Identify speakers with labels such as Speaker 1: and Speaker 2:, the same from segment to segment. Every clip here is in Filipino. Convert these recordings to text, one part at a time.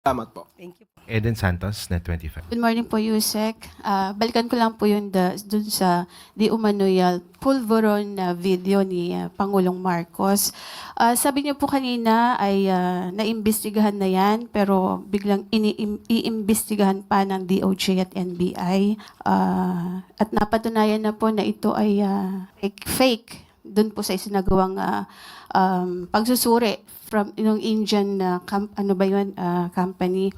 Speaker 1: Salamat po.
Speaker 2: Thank you.
Speaker 3: Eden Santos, Net25.
Speaker 4: Good morning po, Yusek. Balikan ko lang po dun sa di umano'y pulveron na video ni Pangulong Marcos. Sabi niyo po kanina ay naimbestigahan na yan, pero biglang iimbestigahan pa ng DOJ at NBI. At napatunayan na po na ito ay fake dun po sa isinagawang pagsusuri from yung Indian company.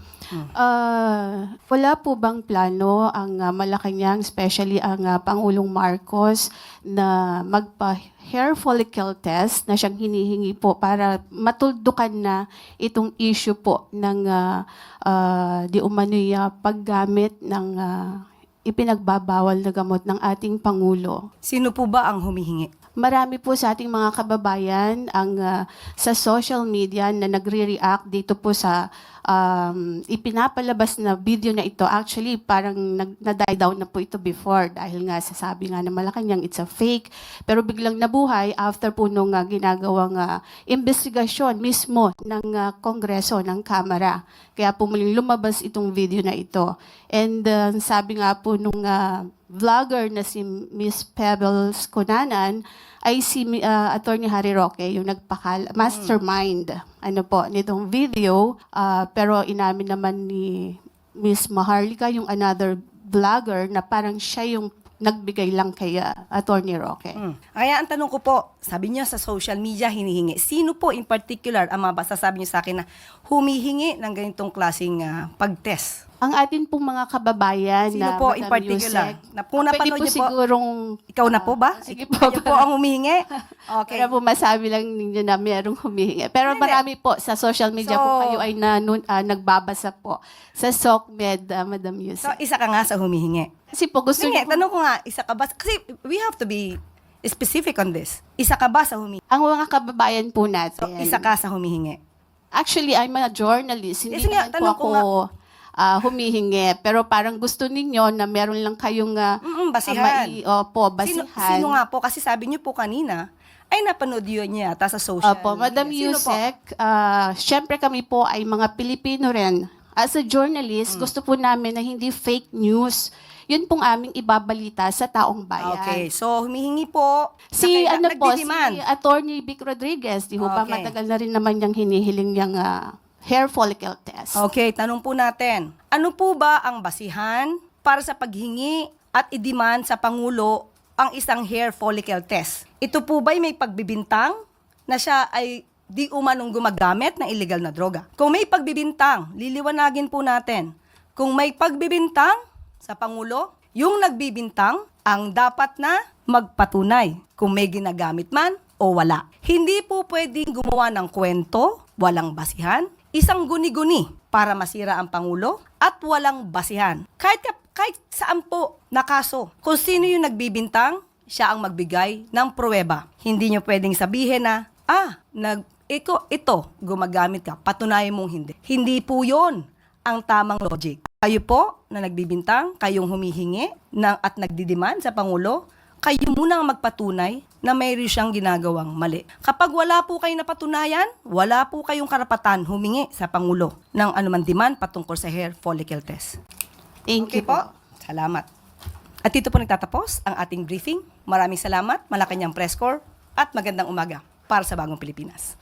Speaker 4: Wala po bang plano ang Malacanang, especially ang Pangulong Marcos, na magpa-hair follicle test na siyang hinihingi po para matuldukan na itong issue po ng di umano'y paggamit ng ipinagbabawal na gamot ng ating Pangulo?
Speaker 2: Sino po ba ang humihingi?
Speaker 4: Marami po sa ating mga kababayan ang sa social media na nagre-react dito po sa ipinapalabas na video na ito. Actually, parang na-die down na po ito before dahil nga sasabi nga na Malacanang it's a fake. Pero biglang nabuhay after po nung ginagawang investigasyon mismo ng Kongreso, ng Kamara. Kaya po muling lumabas itong video na ito. And sabi nga po nung vlogger na si Miss Pebbles Cunanan ay si Attorney Harry Roque, yung mastermind nitong video. Pero inamin naman ni Miss Maharlika, yung another vlogger, na parang siya yung nagbigay lang kay Attorney Roque.
Speaker 2: Kaya ang tanong ko po, sabi niyo sa social media hinihingi. Sino po in particular ang masasabi niyo sa akin na humihingi ng ganitong klaseng pag-test?
Speaker 4: Ang atin pong mga kababayan
Speaker 2: Sino
Speaker 4: na
Speaker 2: po in
Speaker 4: Madam
Speaker 2: particular?
Speaker 4: Yusek,
Speaker 2: Kung napanood
Speaker 4: pwede po
Speaker 2: niyo po,
Speaker 4: sigurong...
Speaker 2: ikaw na po ba?
Speaker 4: Sige po.
Speaker 2: Kayo po ang humihingi? Okay.
Speaker 4: Para po masabi lang ninyo na mayroong humihingi. Pero
Speaker 2: Hindi.
Speaker 4: marami po sa social media
Speaker 2: So,
Speaker 4: po kayo ay nagbabasa po sa SOCMED, Madam
Speaker 2: So,
Speaker 4: Yusek.
Speaker 2: isa ka nga sa humihingi.
Speaker 4: Kasi po gusto
Speaker 2: Sige,
Speaker 4: niyo po,
Speaker 2: tanong ko nga, isa ka ba? Kasi we have to be specific on this. Isa ka ba sa humihingi?
Speaker 4: ang mga kababayan po natin.
Speaker 2: So, isa ka sa humihingi.
Speaker 4: Actually, I'm a journalist. Hindi
Speaker 2: Sige,
Speaker 4: naman po
Speaker 2: tanong ko
Speaker 4: ako humihingi. Pero parang gusto ninyo na meron lang kayong
Speaker 2: Basihan.
Speaker 4: basihan.
Speaker 2: Sino nga po? Kasi sabi niyo po kanina, ay napanood yun niya yata sa social
Speaker 4: Opo, Madam
Speaker 2: media. Sino po?
Speaker 4: Yusek, syempre kami po ay mga Pilipino rin. As a journalist, gusto po namin na hindi fake news. Yun pong aming ibabalita sa taong bayan.
Speaker 2: Okay, so humihingi po.
Speaker 4: Si
Speaker 2: nagdidiman.
Speaker 4: si Attorney Vic Rodriguez, di ho ba
Speaker 2: Okay.
Speaker 4: matagal na rin naman niyang hinihiling yung hair follicle test.
Speaker 2: Okay, tanong po natin. Ano po ba ang basihan para sa paghingi at i-demand sa Pangulo ang isang hair follicle test? Ito po ba'y may pagbibintang na siya ay di umanong gumagamit ng illegal na droga? Kung may pagbibintang, liliwanagin po natin. Kung may pagbibintang sa Pangulo, yung nagbibintang ang dapat na magpatunay kung may ginagamit man o wala. Hindi po pwedeng gumawa ng kwento, walang basihan, isang guni-guni para masira ang Pangulo at walang basihan. Kahit saan po na kaso, kung sino yung nagbibintang, siya ang magbigay ng pruweba. Hindi nyo pwedeng sabihin na, ito, gumagamit ka, patunayan mong hindi. Hindi po yon ang tamang logic. Kayo po na nagbibintang, kayong humihingi at nagdidiman sa Pangulo, kayo muna ang magpatunay na mayroon siyang ginagawang mali. Kapag wala po kayong napatunayan, wala po kayong karapatan humingi sa Pangulo ng anuman demand patungkol sa hair follicle test.
Speaker 4: Thank
Speaker 2: Okay
Speaker 4: you
Speaker 2: po. Salamat. At dito po nagtatapos ang ating briefing. Maraming salamat, Malacanang Press Corps, at magandang umaga para sa Bagong Pilipinas.